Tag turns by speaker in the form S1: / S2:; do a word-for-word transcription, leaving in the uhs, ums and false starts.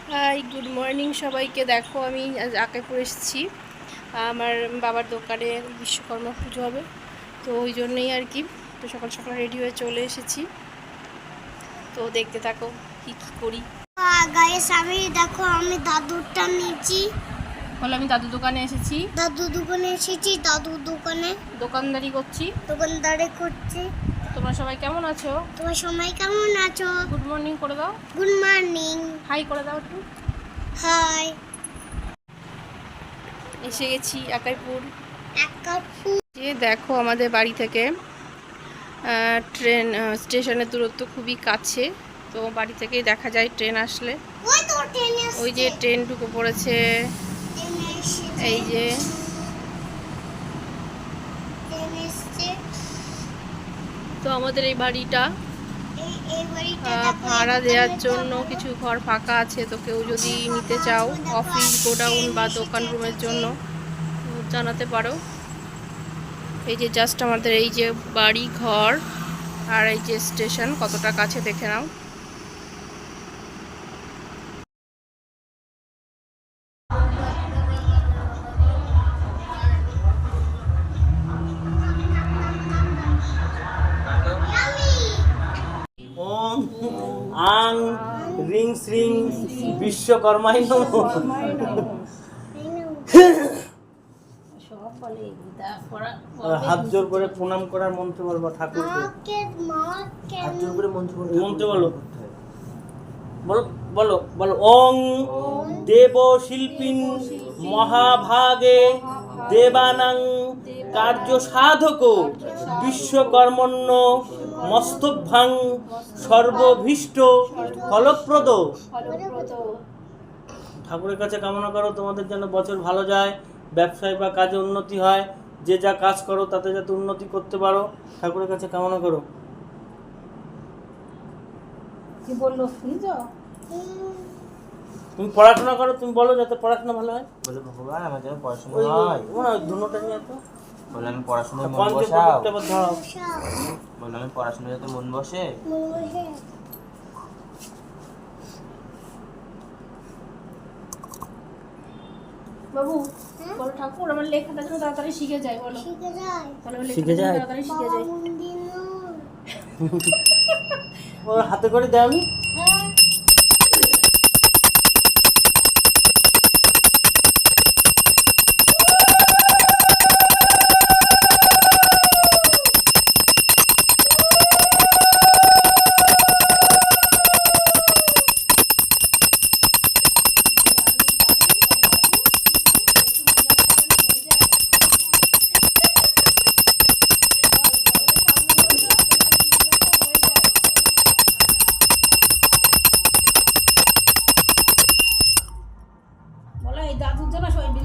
S1: High, good morning সবাইকে। দেখো আমি আজ আকাইপুর এসেছি। আমার বাবার দোকানে বিশ্বকর্মা পুজো হবে, তো ওই জন্যই আর কি তো সকাল সকাল রেডি হয়ে চলে এসেছি। তো দেখতে থাকো কি কি করি।
S2: গাইস আমি দেখো আমি দাদুরটা নিয়েছি।
S1: বলে আমি দাদু দোকানে এসেছি।
S2: দাদু দোকানে এসেছি দাদুর দোকানে
S1: দোকানদারি করছি।
S2: দোকানদারি করছি।
S1: তোমরা সবাই কেমন আছো?
S2: তোমার সবাই কেমন আছো?
S1: গুড মর্নিং করে দাও।
S2: Good morning.
S1: হাই করে দাও একটু।
S2: হাই।
S1: এসে গেছি আকাইপুর।
S2: আকাইপুর।
S1: যে দেখো আমাদের বাড়ি থেকে ট্রেন স্টেশনের দূরত্ব খুবই কাছে, তো বাড়ি থেকেই দেখা যায় ট্রেন আসলে।
S2: ওই তো ট্রেন আসছে।
S1: ওই যে ট্রেন ঢুকে পড়েছে, এই যে
S2: ট্রেন আসছে।
S1: তো আমাদের এই বাড়িটা
S2: এই এই বাড়িটা
S1: আহ,
S2: দেখো,
S1: ভাড়া
S2: এই
S1: দেওয়ার
S2: দোকানটা
S1: জন্য
S2: দেখো।
S1: কিছু ঘর ফাঁকা আছে, তো কেউ যদি
S2: কিছু
S1: নিতে
S2: ফাঁকা
S1: চাও
S2: আছে, দেখো,
S1: অফিস, গোডাউন
S2: ট্রেন
S1: বা
S2: এসেছে,
S1: দোকান রুমের
S2: এসেছে।
S1: জন্য জানাতে পারো। এই যে জাস্ট আমাদের এই যে বাড়ি ঘর আর এই যে স্টেশন কতটা কাছে দেখে নাও।
S3: ওং আং রিং শ্রিং বিশ্বকর্মাই নমঃ। হাত জোর করে প্রণাম করার মন্ত্র বলবো ঠাকুরকে।
S2: মাকে মাকে
S3: হাত জোর করে মন্ত্র বলো, মন্ত্র বলো বলো বলো বলো ওং দেব শিল্পিন মহাভাগে দেবানাং কার্য সাধক বিশ্বকর্মণ্য মস্তভাং সর্বভীষ্ট ফলপ্রদ। ঠাকুরের কাছে কামনা করো তোমাদের যেন বছর ভালো যায়, ব্যবসায় বা কাজে উন্নতি হয়, যে যা কাজ করো তাতে যাতে উন্নতি করতে পারো, ঠাকুরের কাছে কামনা করো।
S1: কি বললো শুনছো?
S3: তুমি পড়াশোনা করো, তুমি বলো যাতে পড়াশোনা ভালো হয়।
S4: বলে ভগবান আমার যেন পড়াশোনা
S3: ওই
S4: হয়।
S3: ওই ধুনোটা নিয়ে তো
S4: বলে আমি পড়াশোনায় মন
S3: পঞ্চে
S4: বসাও।
S3: পদকটা আবার ধরাও।
S4: বলে আমি পড়াশোনায় যাতে মন বসে।
S1: বাবু বলো ঠাকুর আমার লেখাটা যেন তাড়াতাড়ি শিখে যায়। বলো
S2: শিখে যায়।
S1: তাহলে আমার
S3: শিখে
S1: লেখাটা যেন
S3: যায়?
S1: তাড়াতাড়ি শিখে যায়।
S2: বাবা মন্দির
S3: ও হাতে করে দেওনি?
S1: হ্যাঁ